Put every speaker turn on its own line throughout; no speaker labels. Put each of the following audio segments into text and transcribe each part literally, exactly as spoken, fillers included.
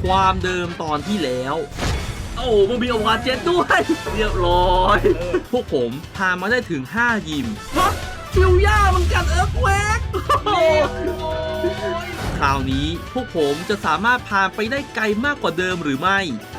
ความเดิมตอนที่แล้วโอ้มันมีโอวาเจ็ตด้วยเรียบร้อยพวกผมพามาได้ถึงห้ายิมฮะฟิวย่ามันกัดเอิร์กแวกคราวนี้พวกผมจะสามารถพาไปได้ไกลมากกว่าเดิมหรือไม่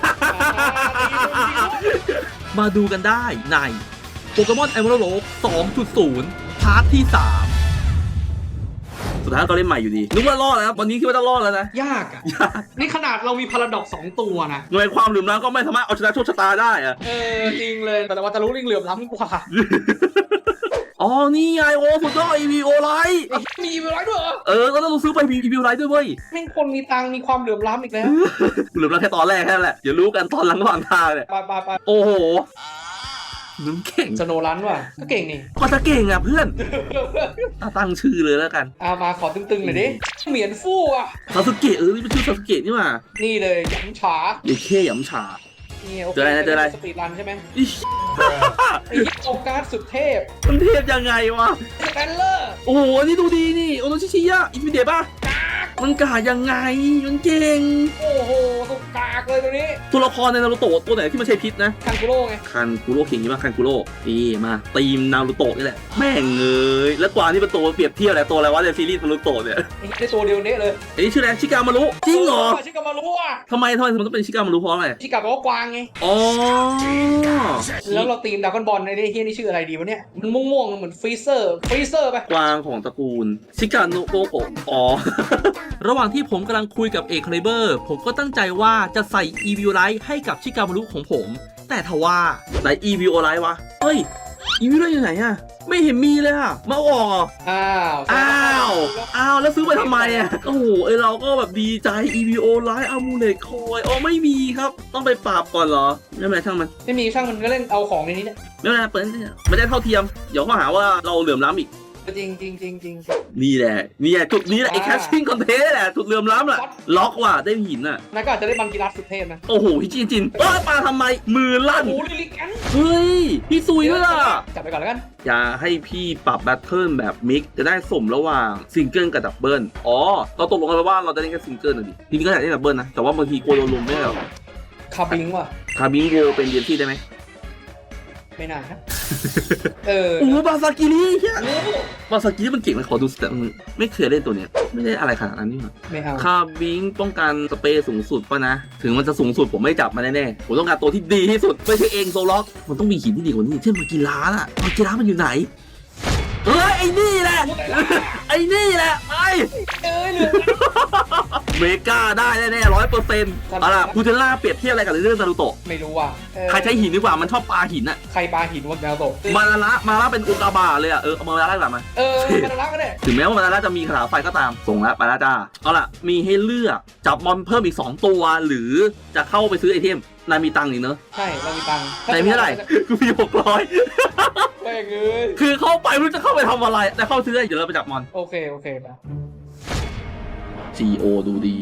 มาดูกันได้ในโปเกมอน Emerald สองจุดศูนย์ พาร์ทที่สามสุดท้ายก็เล่นใหม่อยู่ดีนึกว่ารอดแล้ววันนี้คิดว่าจะรอดแล้วนะ
ยากอ่ะนี่ขนาดเรามีพาราดอกสองตัวนะ
หน่วยความเหลื่อมล้ำก็ไม่สามารถเอาชนะโชคชะตาได้อะ
เออจริงเลยแต่ว่าตะลุลิงเหลื่อมล้ำกว่า
อ๋อนี่ไงโอ้สุดยอด อี วี โอ ไลท์
มีอี วี ไลท์ด้วยเหรอ
เออก็ต้องซื้อไปมี อี วี โอ ไลท์ด้วยเว้ย
แม่งคนมีตังมีความเหลื่อมล้ำอีกแล้ว
เหลื่อมล้ำแค่ตอนแรกแค่นั้นแหละเดี๋ยวรู้กันตอนหลังระหว่างทางเนี่ย
ไปไปไป
โอ้โหนึกเก่ง
สโนรันว่ะก็เก่งนี่
ก็จะเก่งอ่ะเพื่อนตั้งชื่อเลยแล้วกัน
เอามาขอตึงๆหน่อยดิเหมียนฟู่อ่ะ
ซาสึเกะเออนี่เป็นชื่อซาสึเกะนี่มา
นี่เลยหยำฉา
เด็กเท่หยำฉา
เจออะไรนะเจออะไรสปีดรันใช่ไหมไอ้โอการ์ดสุดเทพ
มันเทพยังไงวะ
สแตนเลอร์
โอ้โหนี่ดูดีนี่โอโนชิชิยะอินฟิเดะป่ะมันกายังไงมันเก่ง
โอ้โหตุกกากเลยตัวนี้
ตัวละครในนารูโตะตัวไหนที่มันใช้พิษนะ
คันกุโร่ไง
คันกุโร่เก่งยิ่งมากคันกุโร่นี่มาตีมนารูโตะนี่แหละแม่งเงยแล้วกว่านี่เป็นตัวเปรียบเทียบแหละตัวอะไรวะในซีรีส์นารูโตะเนี่ย
ไอ้ตัวเดียวนี้เลย
ไอ้ชื่ออะไรชิกามารุจริงเหรอ
ชิกามารุอ่ะ
ทำไมทำไมมันต้องเป็นชิกามารุเพราะอะไร
ชิกาแปลว่ากวางไง
อ๋อ
แล้วเราตีมดากอนบอลในเฮียนี่ชื่ออะไรดีวะเนี่ยมันม่วงๆเหมือนฟรีเซอร์ฟรีเซอร์ไป
กวางของตระกูลชิกาโนโกโกอ๋อระหว่างที่ผมกำลังคุยกับเอกคาลิเบอร์ผมก็ตั้งใจว่าจะใส่ อี วี โอ Light ให้กับชิกามารุของผมแต่ทว่าไหน อี วี โอ Light วะเฮ้ย อี วี โอ Light อยู่ไหนอะไม่เห็นมีเลยอะมาออก
อ้าว
อ้าวอ้าวแล้วซื้อไปทำไมอะโอ้โหไอเราก็แบบดีใจ อี วี โอ Light อามูเลตคอยอ๋อไม่มีครับต้องไปปราบก่อนเหรอไม่เป็นไรช่างมัน
ไม่มีช่างมันก็เล่นเอาของในนี้เนี่ย
ไม่เป็นไรเปิดไม่ได้เท่าเทียมเดี๋ยวเขาหาว่าเราเหลื่อมล้ำอีก
จริงจริงจริงจริง
นี่แหละนี่แหละจุดนี้แหละไอ้แคชชิ่งคอนเทนต์แหละจุดเลื่อมล้ำแหละล็อกว่ะได้หินอ่ะ
นั่นก็อาจจะได้บังกีรัสสุดเทพนะ
โอ้โหพี่จินจินว่าปลาทำไมมือลั่น
โอ้ลิลิกัน
เฮ้ยพี่ซุยด้วยล่ะ
จับไปก่อนแล้วกัน
อย่าให้พี่ปรับแบทเทิลแบบมิกจะได้สมระหว่างซิงเกิลกับดับเบิลอ๋อเราตกลงกันว่าเราจะเล่นแค่ซิงเกิลนะดิทีนี้ก็อยากเล่นดับเบิลนะแต่ว่าบางทีกลัวโดนลุมไม่ได้หรอ
คาบิงว่ะ
คาบิงโกเป็นเดียนที่ได้ไหม
ไม่น่าครับเออ
โอ้บาซากิริเฮียบาซากิริมันเก่งนะขอดูสเตตไม่เคยเล่นตัวเนี้ยไม่ได้อะไรขนาดนั้นนี่หรอ
ไม่เอา
คาบิงป้องกันสเปรย์สูงสุดป่ะนะถึงมันจะสูงสุดผมไม่จับมันแน่ๆผมต้องการตัวที่ดีที่สุดไม่ใช่เองโซล็อกมันต้องมีหินที่ดีกว่านี้เช่นมากีฬาน่ะมากีฬามันอยู่ไหนเฮ้ยไอ้นี่แหละไอ้นี่แหละไป
เอ้ยเหลือ
เมกาได้แน่ๆร้อยเปอร์เซ็นต์เอาล่ะคูเทล่าเปรียบเทียบอะไรกับเรื่องนารูโตะ
ไม่รู้ว่ะ
ใครใช้หินดีกว่ามันชอบปลาหินอะ
ใครปลาหินวะนารูโตะ
มาลาระมาลาเป็นอุกาบาเลยอะเออเอามาลาระกลับมา
เออมาลาระก็ได้
ถึงแม้ว่ามาลาระจะมีคาถาไฟก็ตามส่งแล้วมาลาจ้าเอาล่ะมีให้เลือกจับมอนเพิ่มอีกสองตัวหรือจะเข้าไปซื้อไอเทมนายมีตังค์นี่เนอะ
ใช่เรามีตังค์
นายมีเท่าไหร่กูมีหกร้อย
แม่งเอ้ย
คือเข้าไปไม่รู้จะเข้าไปทำอะไรแต่เข้าซื้อเดี๋ยวเราไปจับมอน
โอเคโอเคไป
ซี โอ ดูดี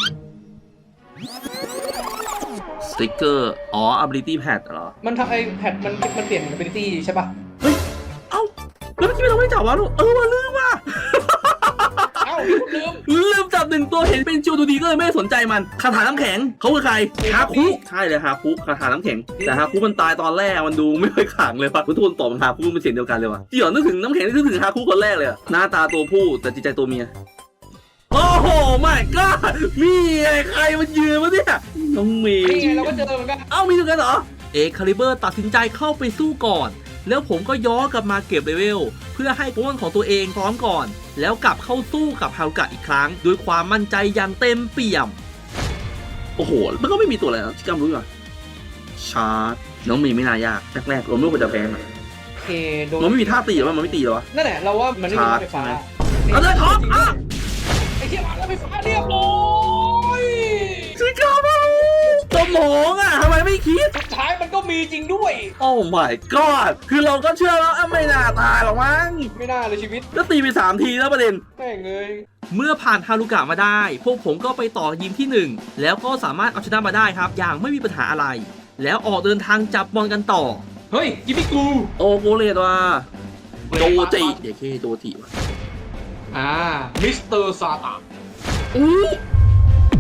สติ๊กเกอร์อ๋อ ability pad เหรอ
มันทำไอ้แพดมันมันเปลี่ยน ability ใช่ป่ะ
เฮ้ยเอ้าแล้วเมื่อกี้เราไม่จับวะลูกเออว่าลืมว่ะ
เอ้าลืม
ลืมจับหนึ่งตัวเห็นเป็นจิวดูดีก็เลยไม่สนใจมันคาถาน้ำแข็งเขาคือใครฮาคุใช่เลยฮาคุคาถาน้ำแข็งแต่ฮาคุมันตายตอนแรกมันดูไม่ค่อยขลังเลยว่ะทุกคนตอบฮาคุมันเสียงเดียวกันเลยว่ะที่หยอนึกถึงน้ำแข็งนึกถึงฮาคุคนแรกเลยหน้าตาตัวผู้แต่จิตใจตัวเมียโอ้โหไม่ก็มีไอ้ใครมันยืนวะเนี่ยน้องมี
นี่ไงเราก็เจอเหมือนกัน
เอ้ามีด้วยกันเหรอเอกคาลิเบอร์ตัดสินใจเข้าไปสู้ก่อนแล้วผมก็ย้อนกลับมาเก็บเลเวลเพื่อให้โปเกมอนของตัวเองพร้อมก่อนแล้วกลับเข้าสู้กับฮารุกะอีกครั้งด้วยความมั่นใจอย่างเต็มเปี่ยมโอ้โหมันก็ไม่มีตัวอะไรชิคามรู้ป่ะชาร์จน้องมีไม่น่ายากแรกๆเราไม่ควรจะแพ้มัน
โอเค
มันไม่มีท่าตีหรอมันไม่ตีหรอ
นั่นแหละเราว่ามันไม่มีท่าไฟฟ้า
เอาเลยท็อปอ่ะ
ไอ้เทียบแล้วไฟฟ้าเรียบร้อย
ชิคามาสมองอ่ะทำไมไม่คิด
สุดท้ายมันก็มีจริงด้วย
โอ้ my god คือเราก็เชื่อแล้วไม่น่าตายหรอกมั้ง
ไม่น่าเลยชีวิต
ก็ตีไปสามทีแล้วประเด็น
แม่งเลย
เมื่อผ่านฮารุกะมาได้พวกผมก็ไปต่อยิมที่หนึ่งแล้วก็สามารถเอาชนะมาได้ครับอย่างไม่มีปัญหาอะไรแล้วออกเดินทางจับบอลกันต่อ
เฮ้ยยิมิกู
โอโกเลตว่ะโจจิเดี๋ยวแค่โจจิว่ะ
อ่ามิสเตอร์ซาตะ
อู้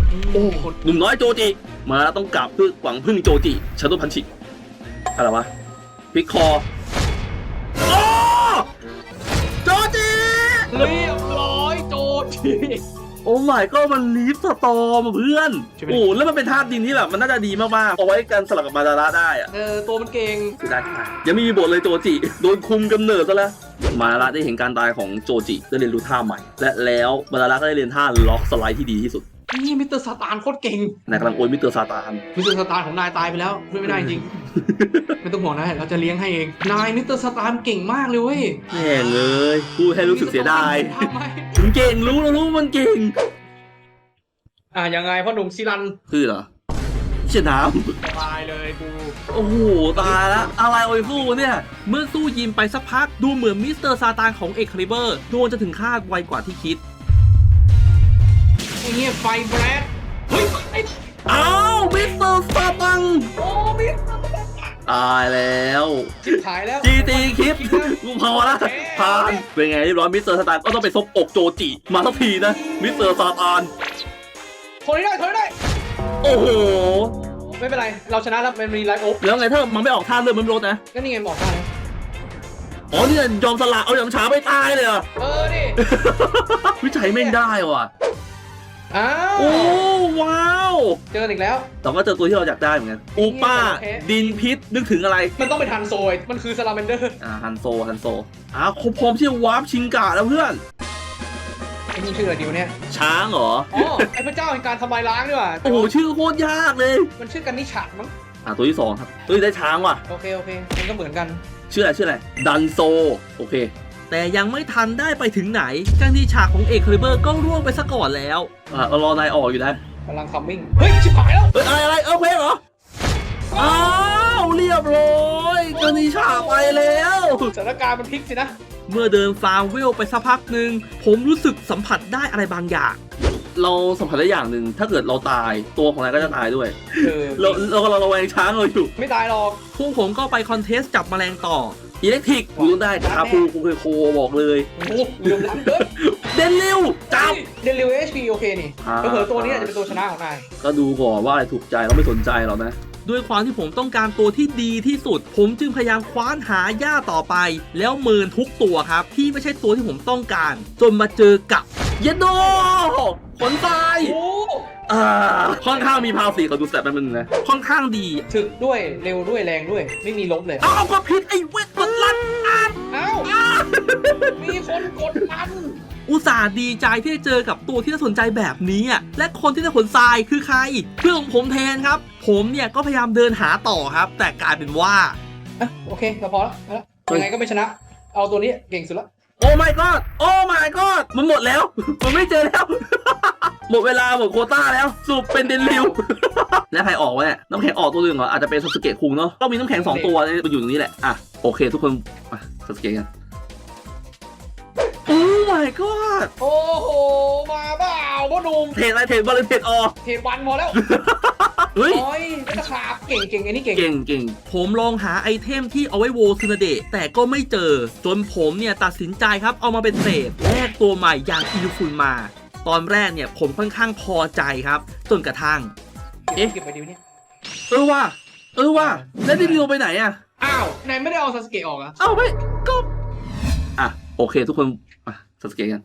โอ้หนุ่มน้อยโจจิมาแล้วต้องกลับเพื่อหวังพึ่งโจจิชาโดพันชิอะไรวะพิกคอโอ้โจจิ
เรียบร้อยโจจิ
โอ้ my ก็มันลีฟสตอมเพื่อนโอ้แล้วมันเป็นธาตุดินที่แบบมันน่าจะดีมากๆเอาไว้กันสลับกับมาดาระได้อะ
เออตัวมันเก่ง
เสียดายที่ไหนยังไม่มีบทเลยโจจิโดนคุมกำเนิดซะแล้วมาดาระได้เห็นการตายของโจจิได้เรียนรู้ท่าใหม่และแล้วมาดาระก็ได้เรียนท่าล็อกสไลด์ที่ดีที่สุด
นี่มิสเตอร์ซาตานโคตรเก่ง
นายกำลังโอยมิสเตอร์ซาตาน
มิสเตอร์ซาตานของนายตายไปแล้วช่วยไม่ได้จริง ไม่ต้องห่วงนะเราจะเลี้ยงให้เองนายมิสเตอร์ซาตานเก่งมากเลยเว้ย
แม่งเลยพูดให้รู้สึกเสียดาย
ทำไม
มันเก่งรู้แล้วรู้มันเก่ง
อ่ะยังไงพ่อหนุ่มซิรัน
คือเหรอเชี่ยน้
สบายเลยกู
ำโอ้โหตายละอะไรโอยฟูเนี่ย
เมื่อสู้ยิมไปสักพักดูเหมือนมิสเตอร์ซาตานของเอ็กคาลิเบอร์ดวงจะถึงคาดไวกว่าที่คิด
ไอ้เงี้ยไฟแบรดเฮ้ยไอ้
อ้าวมิสเตอร์ซาตัง
โอ้มิส
ตายแล้ว
ชิบหายแล้ว
จีตีคลิปกูพอละผ่านเป็นไงเรียบร้อยมิสเตอร์ซาตานก็ต้องไปซบอกโจจิมาสักทีนะมิสเตอร์ซาตาน
ทนได้ทนได้
โอ้โห
ไม่เป็นไรเราชนะแล้วมันมีไลฟ์โอ๊
แล้วไงถ้ามันไม่ออกท่าเลือดมันไม่ลดนะ
ก็นี่ไงบอกได้แล้ว
อ๋อนี่ยอมสละเอาอย่างช้าไม่ตายเลยเหรอ
เออดิ
วิจัยแม่งได้ว่ะ
อ้าว
โอ้ว้าว
เจออีกแล้ว
แต่ก็เจอตัวที่เราอยากได้เหมือนกันอูป้า
โอเค
ดินพิษนึกถึงอะไร
มันต้องเป็นทันโซยมันคือซาลาแมนเดอร์
อ่าฮันโซฮันโซอ้าวครบพร้อมที่จะวาร์ปชิงกะแล้วเพื่อน
ไอ้นี่ชื่ออะไรดิวเนี่ย
ช้างเหรอ
อ๋อไอ้พระเจ้าแห่งการทำลายล้างดีกว่า
โอ้โหชื่อโคตรยากเลย
มันชื่อกันนิชะมั้ง
อ่าตัวที่สองครับเฮ้ยได้ช้างว่ะ
โอเคโอเคมันก็เหมือนกัน
ชื่ออะไรชื่ออะไรดันโซโอเค
แต่ยังไม่ทันได้ไปถึงไหนกันที่ฉากของเอ็กคาลิเบอร์ก็ร่วงไปซะก่อนแล้ว
อ่าเรารอนายออกอยู่นะ
กำลังคัมมิ่งเฮ้ยชิบหายแล้ว
เฮ้ยอะไรอะไรเออเพลงเหรออ้าวเรียบร้อยกานิชาไปแล้ว
สถานการณ์มันพลิกสินะ
เมื่อเดินฟาร์มเวลไปสักพักหนึ่งผมรู้สึกสัมผัสได้อะไรบางอย่าง
เราสัมผัสได้อย่างหนึ่งถ้าเกิดเราตายตัวของนายก็จะตายด้วย
เออ
เราเราเราระแวงช้างเราอยู่
ไม่ตายหรอก
พวกผมก็ไปคอนเทสต์จับแมลงต่อ
อิเล็กทริกกูต้องได้คาปูกูเคยโคบอกเลย
โอ้โหเหลื่อมล้ำเกิน
เดนลิวจับ
เดลิวเอชพีโอเคนี่
อ่า
ก็เผลอตัวนี้อาจจะเป็นตัวชนะของนาย
ก็ดูก่อนว่าอะไรถูกใจเราไม่สนใจหรอกนะ
ด้วยความที่ผมต้องการตัวที่ดีที่สุด ผมจึงพยายามคว้านหาหญ้าต่อไป แล้วเมินทุกตัวครับ ที่ไม่ใช่ตัวที่ผมต้องการ จนมาเจอกับ
เยนโดขนทราย
โอ้
อ่าค่อนข้างมีพาวสีเขาดูแสบแป๊บนึงนะ
ค่อนข้างดี
ถึกด้วยเร็วด้วยแรงด้วย ไม่มีลบเลย
เอาเอาก็ผิดไอ้เวทมันลั่นอ่ะ
อ้าวมีคนกดดัน
อุตส่าห์ดีใจที่ได้เจอกับตัวที่น่าสนใจแบบนี้อะและคนที่ได้ขนทรายคือใครเพื่อนของผมแทนครับ ผมเนี่ยก็พยายามเดินหาต่อครับ แต่กลายเป็นว่า
อ่ะโอเคเราพอแล้วพอแล้วยังไงก็ไม่ชนะ เอาตัวนี้เก่งสุดละ
โอ้ my god โอ้ my god มันหมดแล้ว มันไม่เจอแล้ว หมดเวลาหมดโควต้าแล้วสรุปเป็นเดนลิว แล้วใครออกวะเนี่ยน้ำแข็งออกตัวหนึ่งเหรออาจจะเป็นซาสึเกะคุงเนาะต้องมีน้ำแข็งสองตัวเนี่ยมันอยู่ตรงนี้แหละอ่ะโอเคทุกคนอ่ะซาสึเกะกันโอ้ my god
โอ้โหมาเปล่าพ่อหนุ่ม
เทรดอะไรเทรดบอลเลยเทรดออก
เทรดวันพอแล้ว
เฮ้ย
โอ้ยไม่ต้องขาบเก่งเก่งไอ้นี่เก่ง
เก่งเก่ง
ผมลองหาไอเทมที่เอาไว้โวซึนาเดะแต่ก็ไม่เจอ จนผมเนี่ยตัดสินใจครับเอามาเป็นเศษแลกตัวใหม่อย่างอิลูฟุนมา ตอนแรกเนี่ยผมค่อนข้างพอใจครับ จนกระทั่ง
เอ๊ะเก็บไปดิวเนี่ย
เออว่ะเออว่ะแล้วเดนลิวไปไหนอ่ะ
อ้าวนายไม่ได้เอาซาสเกะออกอะ
เอ้าไม่ก็อ่ะโอเคทุกคนอ่ะซาสึเกะกัน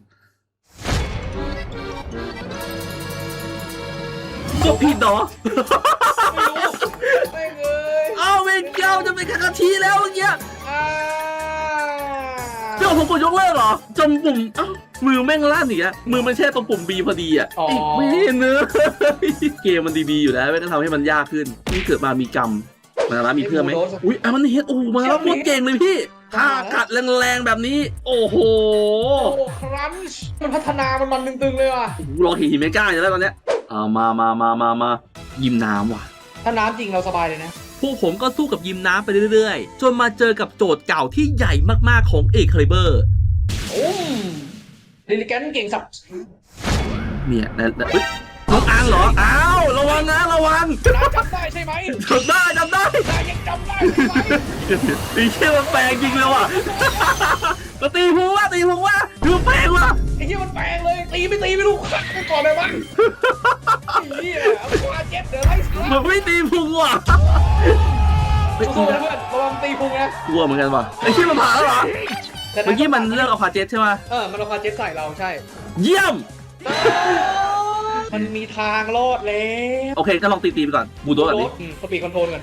ก็ผิดเนาะ
ไม่รู้ไม่เลย
เอ้าเวนเกียวจะเป็นคาคาชิแล้วเมื่อกี้
อ้าว
เจ้าผมกดยกเลิกเหรอจนปุ่มเอ้ามือแม่งลั่นอีกอะมือมันแช่ตรงปุ่ม B พอดีอะ
อ๋อ
อีกไม่เนื้อะเกมมันดีๆอยู่แล้วไม่ต้องทำให้มันยากขึ้นนี่เกิดมามีกรรมมาแล้วมีเพื่อนไหมอุ้ยอ่ะมันเฮ็ดโอ้มาแล้วโคตรเก่งเลยพี่ถ้ากัดแรงๆแบบนี้ โอ้โห
โอ้ครันช์มันพัฒนามันมันตึงๆเลยว่ะ
โอ้โหรอหินเมก้าอยู่แล้วตอนเนี้ยอ่ามามามามามายิมน้ำว่ะ
ถ้าน้ำจริงเราสบายเลยนะ
พวกผมก็สู้กับยิมน้ำไปเรื่อยๆ จนมาเจอกับโจทย์เก่าที่ใหญ่มากๆของเอ็กคาลิเบอร์
โอ้มลิลิแกนเก่งสับ
เนี่ยนะนะเฮ้ยน้องอังเหรออ้าวระวังนะระวัง
นายจำได้ใช่ไหม
จำได้จำได้
นายยังจำได้ใช่ไหม
ไอ้เชี่ยมันแปลงจริงเลยว่ะก็ตีพุงว่าตีพุงว่าดูแปลงว่ะ
ไอ้เหี้ยมันแปลงเลยตีไม่ตีไม่รู้ขัดกูก่อนเลยมั้งไอ้เหี้ยเอาควาเจ็บเดี๋ยวไล่สา
มั
ระ
นไม่ตีพุงว่ะ
สู้ๆนะเพื่อนระวังตีพุงนะ
กลัวเหมือนกันว่ะไอ้ที่มันผ่านแล้วเหรอ
แต่
เมื่อกี้มันเลือกเอาควาเจ็ตใช่ไหม
เออมันเอาควาเจ็บใส่เราใช่
เยี่ยม
มันมีทางรอดแล้ว
โอเคก็ลองตีตีไปก่อนบูโดแบบนี้
อืมสปีดคอนโทรลกัน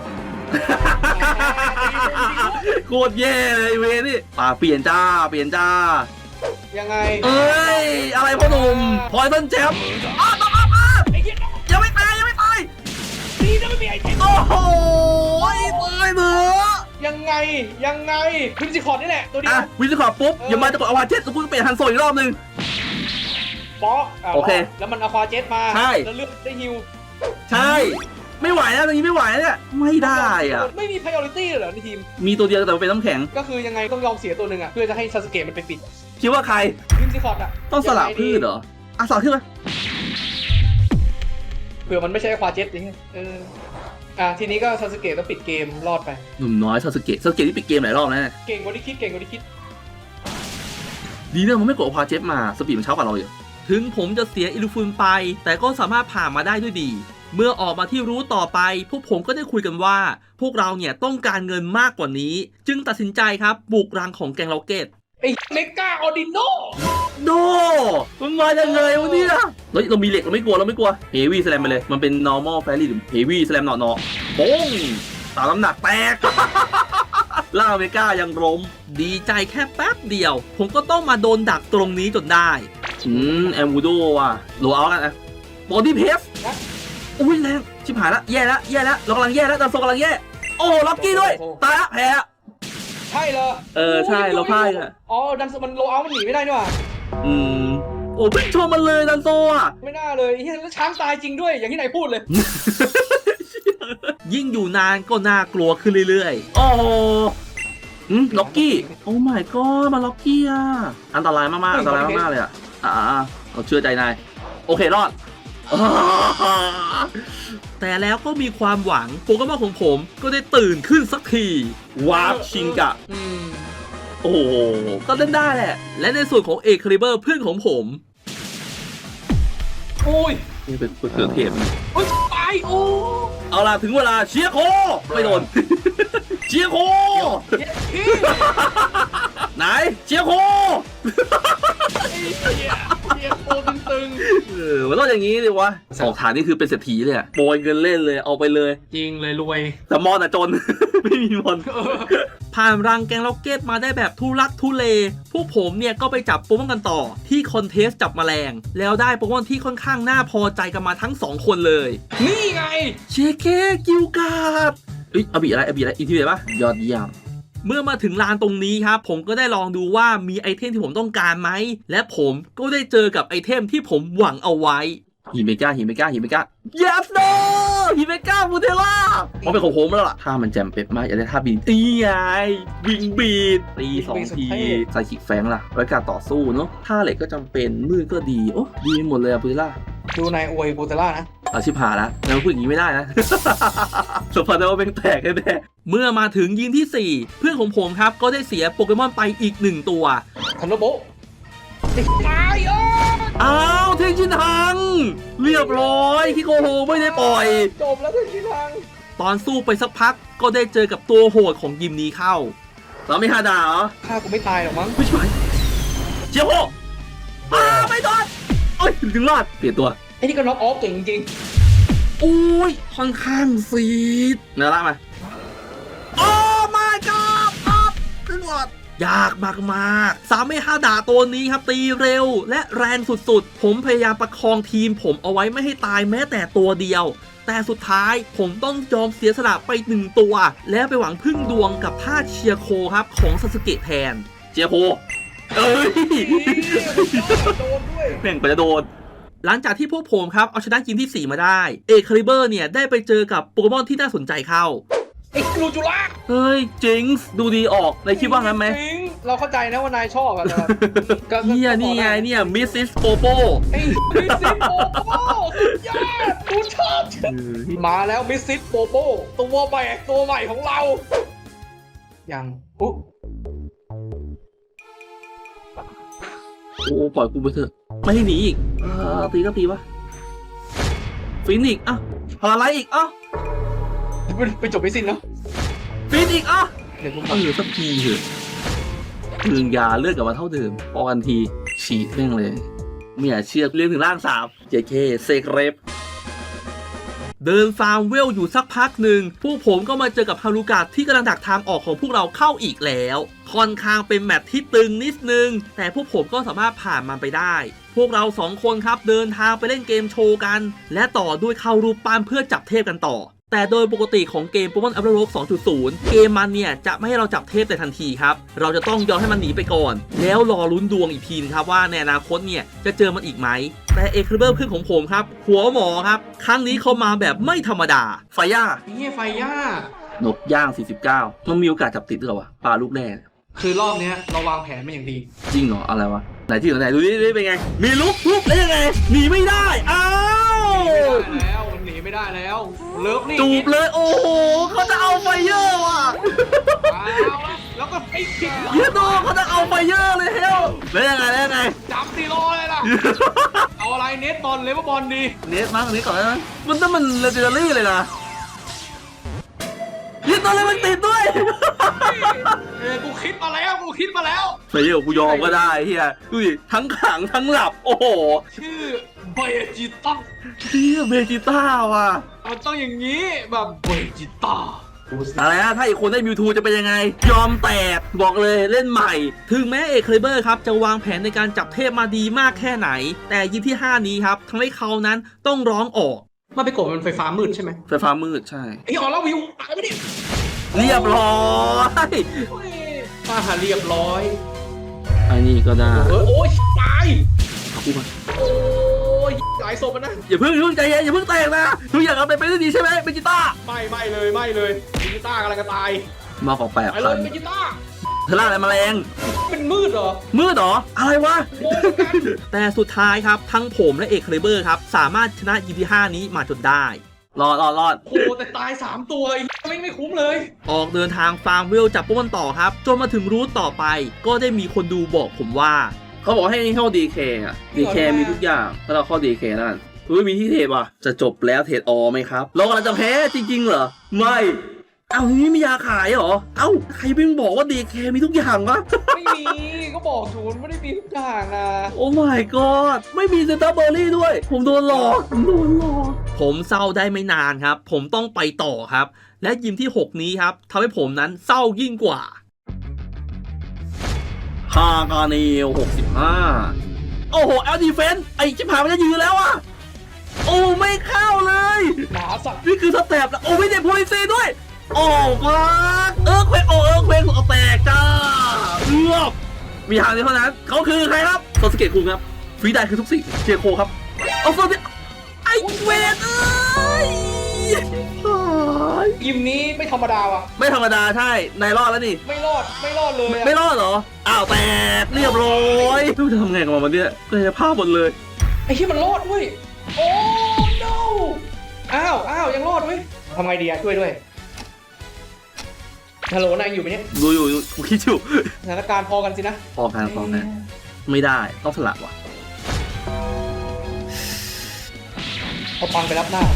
โคตรแย่เลยไอ้เวนี่ป่าเปลี่ยนจ้าเปลี่ยนจ้า
ยังไง
เอ้ยอะไรพ่อหนุ่มพอยต้นแชมป์อ้าวต้องอ้าวอ้าว
ไอ้เหี้ย
ยังไม่ตายยังไม่ตาย
ตีจะไม่มีไอเทม
โอ้โหตายเถอะ
ยังไงยังไงพิมจิคอร์ดนี่แหละตัวเดีย
อ่ะ
ว
วินคอร์ปุ๊บอย่ามาจะกดอวาเจ็ตกูเปลี่ยนฮันโซอีกรอบนึง
ป๊อกะ
โอเค
แล้วมันเอาควาเจ็ตมา
ใช่
แล้วเลือกได้ฮิว
ใช่ ไม่ไหวแล้วตอนนี้ไม่ไหวแล้วเนี่ยไม่ได้อ่ะ
ไม่มี priority เลยเหรอในทีม
มีตัวเดียวแต่มันเป็นน้ำแข็ง
ก็คือยังไงต้องยอมเสียตัวหนึ่งอ่ะเพื่อจะให้ซาสเกะมันไปปิด
คิดว่าใคร
พิมจิคอร์ดอ่ะ
ต้องสลับพืชเหรออ่ะสลับพืชไหม
เผื่อมันไม่ใช่ควาเจ็ตอย่างเงี้ยเอออ่ะทีนี้ก็ซาสเกะต้องปิดเกมรอดไป
หนุ่มน้อยซาสึเกะซาสึเกะที่ปิดเกมหลายรอบแล้วเนี่ย
เก่งกว่าที่คิดเก่งกว่าที่คิด
ดีเนี่ยมันไม่กดอวาเจ็ตมาสปีดมันเช้ากว่าเราอยู่
ถึงผมจะเสียอิลูฟุนไป แต่ก็สามารถผ่านมาได้ด้วยดี เมื่อออกมาที่รู้ต่อไป พวกผมก็ได้คุยกันว่า พวกเราเนี่ยต้องการเงินมากกว่านี้ จึงตัดสินใจครับบุกรังของแกงล็อกเก็ต
ไอ้เมกาออดิโน
โดมันมาจากไงวะเนี่ยเฮ้ยเรามีเหล็กเราไม่กลัวเราไม่กลัวเฮวี่สแลมไปเลยมันเป็น normal fairy หรือ heavy slam เนาะเนาะโป้งตามน้ำหนักแตก ล่าอเมริกายังล้ม
ดีใจแค่แป๊บเดียว ผมก็ต้องมาโดนดักตรงนี้จนได้
อืมแอมวูโดว่ะโลเอากันนะบอดี้เพสอุ้ยแรงชิบหายละแย่ละแย่ละเรากำลังแย่แล้วดันโซกำลังแย่โอ้ล็อกกี้ด้วยตายละแพ้ละ
ใช่เหรอ
เออใช่เราพ่ายอะ
อ๋อดันมันโลเอามันหนีไม่ได้นี่หว่า
อืมโอ้เพิ่งชมมันเลยดันโซอ่ะ
ไม่น่าเลยเฮียแล้วช้างตายจริงด้วยอย่างที่ไหนพูดเลย
ยิ่งอยู่นานก็น่ากลัวขึ้นเรื่อย
โอ้โหอืมล็อกกี้โอ้ my god มาล็อกกี้อ่ะอันตรายมากๆอันตรายมากๆเลยอ่ะอ่าเราเชื่อใจนายโอเครอด
ๆ แต่แล้วก็มีความหวังโปเกมอนของผมก็ได้ตื่นขึ้นสักที
วาร์ปชิงกะ
อืม
โอ้โหก็เล่นได้แหละ
และในส่วนของเอกคาลิเบอร์เพื่อนของผม
โอ้ย
นี่เป็นเกิดเทพ
โอ้ยตายโอ้
เอาล่ะถึงเวลาเชียร์โคไม่โดน เชียร์โค
เย็ดพี่
ไหนเชียร์โค
ไอ้เหี้ยเหี้ยโคตึงตึง
เออมันต้องอย่างนี้ดิวะสองฐานนี่คือเป็นเศรษฐีเลยอะโปรยเงินเล่นเลยเอาไปเลย
จริงเลยรวย
แต่มอนอะจน ไม่มีมอน
ผ่านรังแกงล็อกเก็ตมาได้แบบทุลักทุเล พวกผมเนี่ยก็ไปจับโปเกมอนกันต่อที่คอนเทสจับแมลง แล้วได้โปเกมอนที่ค่อนข้างน่าพอใจกันมาทั้งสองคนเลย
นี่ไง
เชเคกิวการ์ดเอ้ยอาบีอะไรอาบีอะไรอีกทีเลยปะยอดเยี่ยม
เมื่อมาถึงลานตรงนี้ครับ ผมก็ได้ลองดูว่ามีไอเทมที่ผมต้องการไหม และผมก็ได้เจอกับไอเทมที่ผมหวังเอาไว้
ฮิเมกาฮิเมกาฮิเมกา yes no ฮิเมกาบูเทล่ามันเป็นของผมแล้วล่ะถ้ามันแจมเป๊ะมากอยากได้ท่าบินตีไงวิงบีดตีสองทีใส่ขีดแฟงล่ะไว้การต่อสู้เนาะท่าเหล็กก็จำเป็นมืดก็ดีโอ้ดีหมดเลยอะบูเทล่า
ดูนายอวยบูเตล่านะ
อาชิบหายแล้วแล้วพูดอย่างนี้ไม่ได้นะ สมพันธ์ว่าเป็นแตกแน่
เมื่อมาถึงยิงที่สี่เพื่อนของผมครับก็ได้เสียโปเกมอนไปอีกหนึ่งตัว
ทันโดโบะตายเออ
อ้าวเทงชินทังเรียบร้อยคิโกโฮไม่ได้ปล่อย
จบแล้วทุกทีทาง
ตอนสู้ไปสักพักก็ได้เจอกับตัวโหดของยิมนี้เข้า
เราไม่ฮาดาเหรอ
ฆ่ากูไม่ตายหรอกมั้ง
ไม่ใช่เจียวโฮอ้าไม่โดนเอ้ยถึงรอดเปลี่ยนตัว
ไอ้นี่ก็น็อกออฟเก่งจริง
อุ้ยค่อนข้างซีด
เนื้อละมาโอ้ my god อัพขึ้นหลอด
ยากมากๆสามไม่ห้าด่าตัวนี้ครับตีเร็ว และแรงสุดๆ ผมพยายามประคองทีมผมเอาไว้ไม่ให้ตายแม้แต่ตัวเดียว แต่สุดท้ายผมต้องยอมเสียสละไปหนึ่งตัว แล้วไปหวังพึ่งดวงกับท่าเชียร์โคครับของซาสึเกะแทน
เจียวโฮเอ้ย
โดนด้วย
แม่งไปจะโดน
หลังจากที่พวกผมครับเอาชนะยิมที่สี่มาได้เอกคาลิเบอร์เนี่ยได้ไปเจอกับโปเกมอนที่น่าสนใจเข้า
ไอ้กลูจูล่า
เฮ้ยจิงส์ดูดีออกในคิดว่างั้นไหม
จริงเราเข้าใจนะว่านายชอบอะแต่แบบก็
เนี่ยนี่ไงเนี่ยมิสซิสโปโป
ไอ้มิสซิสโปโป้สุดยอดกูชอบมาแล้วมิสซิสโปโป้ตัวใหม่ตัวใหม่ของเราอย่างอุ๊
โอ้ปล่อยกูไปเถอะไม่ให้หนีอีกเออตีก็ตีปะฟินิกซ์อ่ะพาราไลท์อีกอ่ะ
ไปจบไม่สิ้นเนาะ
ฟินอีกอ่ะ
เดี๋ยวผม
เออสักทีเถอะพึงยาเลือดกลับมาเท่าเดิมพอกันทีฉีดแม่งเลยไม่อยากเชื่อเรียกถึงร่างสามเจเคเซกเรฟ
เดินฟาร์มเวลอยู่สักพักหนึ่งพวกผมก็มาเจอกับฮารุกะที่กำลังดักทางออกของพวกเราเข้าอีกแล้วค่อนข้างเป็นแมตช์ที่ตึงนิดนึงแต่พวกผมก็สามารถผ่านมันไปได้ พวกเราสองคนครับเดินทางไปเล่นเกมโชว์กัน และต่อด้วยเข้ารูปปั้นเพื่อจับเทพกันต่อ แต่โดยปกติของเกม Pokemon Abra Rogue สองจุดศูนย์ เกมมันเนี่ยจะไม่ให้เราจับเทพแต่ทันทีครับเราจะต้องยอมให้มันหนีไปก่อน แล้วรอลุ้นดวงอีกทีนะครับว่าในอนาคตเนี่ยจะเจอมันอีกไหมแต่เอคริเบิลเพื่อนของผมครับหัวหมอครับครั้งนี้เขามาแบบไม่ธรรมดา
ไฟย่า
เฮียไฟย่า
นกย่างสี่สิบเก้ามันมีโอกาสจับติดหรือเปล่าวะปลาลูกแรก
คือรอบเนี้ยเราวางแผนมาอย่างดี
จริงเหรออะไรวะไหนที่ไหนดูดิดูดิเป็นไงมีลุกลุกแล้วยังไงหนีไม่ได้อ้าว
ไม่ได้แล้วมันหนีไม่ได้แล้วเลิฟนี่
จูบเลยโอ้โหเขาจะเอาไฟเยอร์ว่ะ
เอาละแล้วก็ไอ้ผิด
เยโดเขาจะเอาไฟเยอร์เลยเฮลแล้วยังไงแล้วยังไง
จับตีรอเลยล่ะ เอาอะไรเน็ตบอลเลเวอร์บอลดี
เนสมั้งเนสก่อนนะมันต้องมันเลเจนดารี่เลยนะยิงตัวเลยมันติดด้วย
เออกูคิดมาแล้วกูคิดมาแล้ว
ไฟเยอร์กูยอมก็ได้เฮียดูดิทั้งขังทั้งหลับโอ้โห
ชื่อเบจิต้า
เฮียเบจิต้าว่ะ
มันต้องอย่างนี้แบบเบจิต้า
อะไรนะถ้าอีกคนได้มิวทูจะเป็นยังไง ยอมแตกบอกเลยเล่นใหม่
ถึงแม้เอเคลิเบอร์ครับจะวางแผนในการจับเทพมาดีมากแค่ไหน แต่ยิมที่ห้านี้ครับทำให้เขานั้นต้องร้องออก
มันไปกดมันไฟฟ้ามืดใช่ไหม
ไฟฟ้ามืดใช่
ไอ้ออแล้ววิวตายไปดิ
เรียบร้อย
มาหาเรียบร้อย
อันนี้ก็ได้
เออโอ้ยตาย
คู่มา
โอ้ยหลายศพมันนะ
อย่าเพิ่งอย่าเพิ่งใจเย็นอย่าเพิ่งแตกนะทุกอย่างเอาไปไปได้ดีใช่ไหมเบจิต้า
ไม่ไม่เลยไม่เลยเบจิต้ากำลังจะตาย
มาของแปด
ไปเล
พั
ย
น
เบจิต้า
เธอล่าอะไรแมลง
เป็นมืดเหรอ
มืดเหรออะไรวะ
โง่เหมือนกัน
แต่สุดท้ายครับทั้งผมและเอเคลิเบอร์ครับสามารถชนะยิมที่ห้านี้มาจนได้
รอดรอดรอด
โอ้แต่ตายสามตัวไอ้ไม่ไม่คุ้มเลย
ออกเดินทางฟาร์มเวลจับโปเกมอนต่อครับจนมาถึงรูทต่อไป ก็ได้มีคนดูบอกผมว่า
เขาบอกให้เข้าดีเคอ่ะดีเคมีทุกอย่างถ้าเราเข้าดีเคนั่นคือมีที่เทรดว่ะจะจบแล้วเทรดออไหมครับเรากำลังจะแพ้จริงๆเหรอไม่เอ้าทีนี้มียาขายเหรอเอ้าใครเพิ่งบอกว่าดีเคมีทุกอย่างวะ
ไม่มีก็บอกศูนย์ไม่ได้มีทุกอย่างนะ
โอ้ my god ไม่มีเซนต้าเบอร์รี่ด้วย ผมโดนหลอกผมโดนหลอก
ผมเศร้าได้ไม่นานครับ ผมต้องไปต่อครับ และยิมที่หกนี้ครับทำให้ผมนั้นเศร้ายิ่งกว่า
ฮากาเนลหกสิบห้าโอ้โหแอลดีเฟนไอ้ชิบหายมันจะยืนแล้วอะโอ้ไม่เข้าเลย
หนาสัตว์
นี่คือสเต็ปแล้วโอ้ไม่ได้โพลิซีด้วย โอ้ฟักเอิร์กเควกโอ้เอิร์กเควกสุดแตกจ้าเอือบมีทางเดียวเท่านั้นเขาคือใครครับโซสเกตคุงครับฟรีได้คือทุกสิ่งเชียร์โคครับเอาโซสเกตไอ้เวทเอ้ย
ยิมนี้ไม่ธรรมดาว่ะ
ไม่ธรรมดาใช่นายรอดแล้วนี่
ไม่รอดไม่รอดเลยอะ
ไม่รอดเหรออ้าวแตกเรียบร้อยไม่รู้จะทำไงกับมันเนี่ยกายภาพหมดเลย
ไอ้ที่มันรอดเว้ยโอ้ no อ้าวอ้าวยังรอดเว้ยทำไงดีอะช่วยด้วยฮัลโหลนายอยู่ไหมเนี่ย
ดูอยู่กูคิดอยู่
สถานการณ์พอกันสินะ
พอกันพอกันไม่ได้ต้องสละว่ะ
เอาปังไปรับหน้า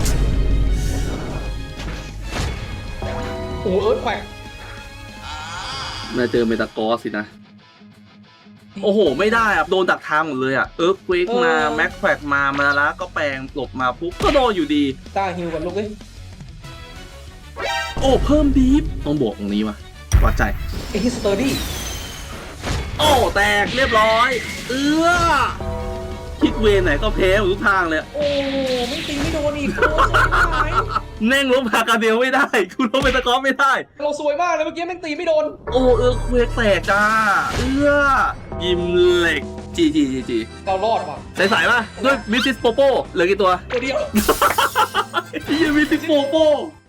โอ้เอิร์ธแขวก
มาเจอเมตากอสสินะ โอ้โห ไม่ได้อะโดนดักทางหมดเลยอะเอิร์กเวกมาแม็กแฟกมามาลาก็แปลงหลบมาปุ๊บก็โดนอยู่ดี
ต้าฮิวกับลูกเอ้ย
โอ้เพิ่มบีฟต้องบวกตรงนี้ว่ะวัดใจ
ไอ้ที่สเตอร์ดี้
โอ้แตกเรียบร้อย เอื้อคิดเวรไหนก็แพ้หมดทุกทางเลย
โอ้ไม่ตีไม่โดนอีกโอ้สวยมาก
แน่งลบฮากาเดลไม่ได้คุณลบเมตากอสไม่ได้
เราสวยมากเลยเมื่อกี้แม่งตีไม่โดน
โอ้เอิร์กเวกแตกจ้า เอื้อยิมเหล็กจีจีจีจี
เรารอดว่ะ
ใส่ๆป่ะด้วยมิสซิสโปโป้เหลือกี่ตัว
ตัวเดียว
ยี่มิสซิสโปโป้